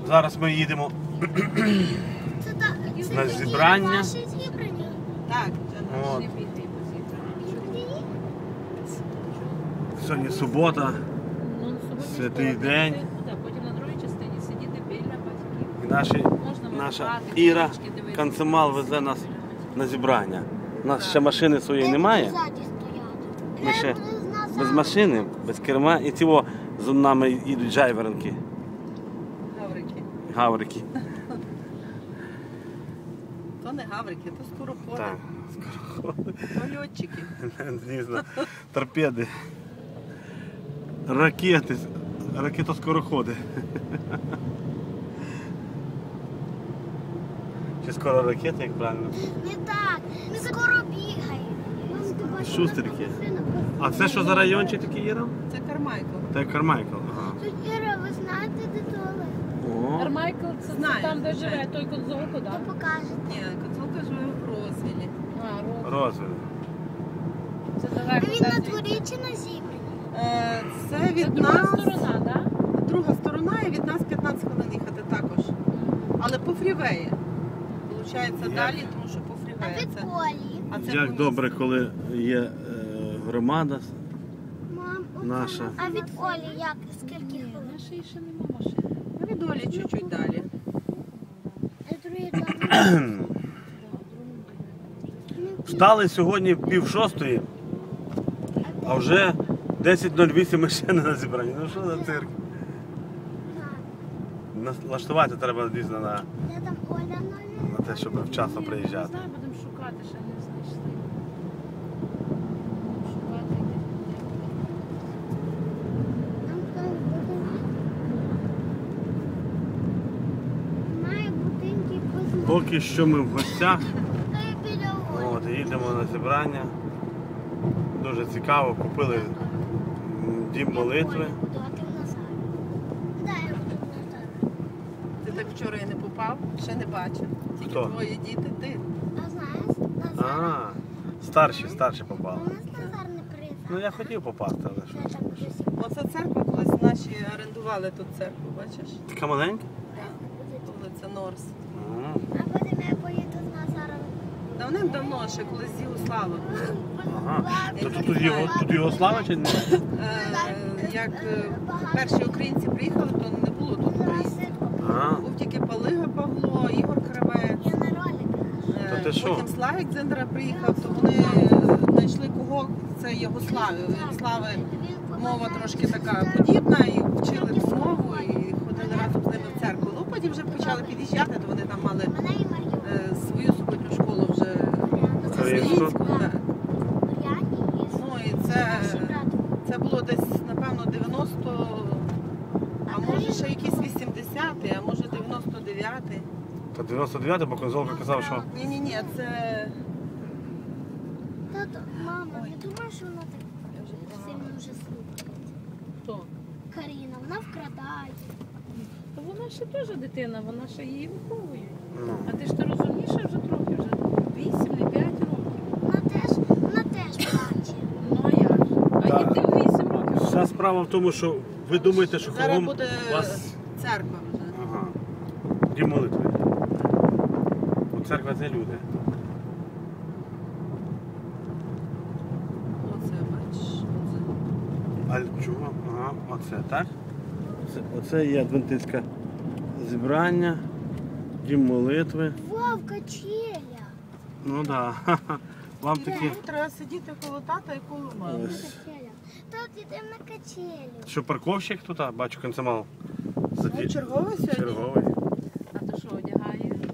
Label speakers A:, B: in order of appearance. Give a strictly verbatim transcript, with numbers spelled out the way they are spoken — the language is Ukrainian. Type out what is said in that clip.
A: Зараз ми їдемо
B: Це та- це
A: на
B: такі
A: зібрання.
B: ваші зібрання?
C: Так, це
A: От.
C: наші піти позібрали.
A: Сьогодні субота,
C: Ну, сьогодні
A: святий
C: скоро
A: день.
C: йти туди, потім на другій частині сидіти біля батьків.
A: І наші,
C: Можна
A: наша
C: малювати,
A: Іра
C: книжечки дивитися.
A: Канцемал везе нас на зібрання. У нас ще машини своєї
B: Де
A: немає.
B: будуть ззаді стояти?
A: Ми
B: Де
A: ще
B: буде назад?
A: без машини, без керма. І цього з нами їдуть джайвернки,
C: Гаврики.
A: гаврики.
C: То не гаврики, то скороходи.
A: Так,
C: То льотчики.
A: звісно, торпеди, ракети, ракетоскороходи. Чи скоро ракети, як правильно?
B: Не так, ми скоро бігаємо. Мам, ти бачила,
A: Шустрики.
B: машина?
A: А це що за райончик такий, Іра?
C: Це Кармайкл.
A: Це Кармайкл. Ага.
B: Тут, Іра, ви знаєте, де туалет?
A: О,
D: Кармайкл це
C: Знаю,
D: там, де
C: звичайно.
D: живе той Конзолко,
B: То
D: так?
B: покажете.
C: Ні, Коцулка живе в Розвілі.
D: А, Рот.
A: розвиток.
D: Це
B: А
D: далеко.
B: він на
D: так,
B: дворі чи на зібранні?
C: Е, Це
D: Це
C: від
D: друга
C: нас,
D: сторона, так?
C: друга сторона, і від нас п'ятнадцять хвилин їхати також. Але по фрівеї. Получається
A: Як?
C: далі, тому що по
B: А
C: фрівеї.
B: від
C: Це,
B: Колі?
C: а це
A: Як
C: по
A: добре,
C: місту.
A: коли є е, громада
B: Мам, оце
A: наша.
B: на- А від Олі як? Скільки
D: Ні,
B: хвилин?
D: нашої ще нема машини.
C: Ну, від Олі чуть-чуть далі.
B: А другий там.
D: Да, в другому будинку.
A: Встали сьогодні в пів шостої, а вже десять нуль вісім ми ще не на зібранні. Ну що за цирк? Налаштувати треба дійсно на,
B: Де там Оля
A: на
B: номер?
A: те, щоб вчасно
D: Ні, Не
A: приїжджати.
D: знаю, будемо шукати, ще не знайшли. Шукати де.
B: Там хтось буде. Має будинки позна.
A: Поки що ми в гостях,
B: Та й біля Олі.
A: от, їдемо на зібрання. Дуже цікаво, купили м, дім молитви.
B: Буду, а ти в Назарі. Да, я буду в Назарі.
C: Ти так вчора і не попав, ще не бачив. Тільки
A: Хто?
C: твої діти, ти.
B: А знаєш, Назар?
A: А, старші, старші попали.
B: У нас Назар не приїжджав.
A: Ну я хотів попасти, але
B: Це
A: що.
B: так красиво.
C: Оце церква, колись наші орендували тут церкву, бачиш?
A: Така маленька?
C: Вулиця Норс.
A: М,
B: А потім я поїду з Назаром.
C: Давним-давно, ще колись з Югославом.
A: Ага. То тут, тут, його, тут його слава чи не?
C: Е, Як е, перші українці приїхали, то не було тут українців.
A: А,
C: Був тільки Палига Павло, Ігор Кравець.
B: Я на роликах.
C: Е,
A: То ти що?
C: Потім Славік Зендера приїхав, то вони знайшли кого, це Єгослави. У Єгослави мова трошки така подібна, і вчили ту мову, і ходили разом з ними в церкву. Ну, потім вже почали під'їжджати, то вони там мали
B: Мене і Мар'ю.
C: е, свою суботню школу вже
A: Українську?
C: українську. Так.
B: Мар'яні і
C: Ну і це,
B: старший брат.
C: це було десь, напевно, дев'яносто, а може ще якийсь вісімдесятий, а може дев'яносто дев'ятий.
A: то дев'яносто дев'ятий, бо конзолка казав, що
C: Ні-ні-ні, це...
B: Тато, мама, не думаєш, що вона так сильно вже слухає?
D: Хто?
B: Каріна, вона вкрадає.
D: Та вона ще теж дитина, вона ще її виховує.
A: ну,
D: А ти ж ти розумніша вже трохи, вже вісім, не п'ять років.
B: Вона теж, вона теж плаче.
D: Ну а як же? А
A: Так.
D: і ти в вісім років.
A: вся справа в тому, що ви думаєте, що
C: Зараз
A: кругом
C: буде
A: у вас
C: церква вже.
A: ага, дім молитви. Бо церква це люди.
C: Оце, бачиш, оце.
A: А чого? Ага, оце, так? Це, оце є адвентистське зібрання, дім молитви.
B: Вовка челя.
A: Ну так, да. Вам такі,
C: Тут треба сидіти коло тата і коло мами.
A: Ось.
B: Челя. Тут йдемо на качелю.
A: що парковщик тут, а, бачу концемал.
C: Ну, черговий сьогодні.
A: Черговий.
D: А то що, одягає?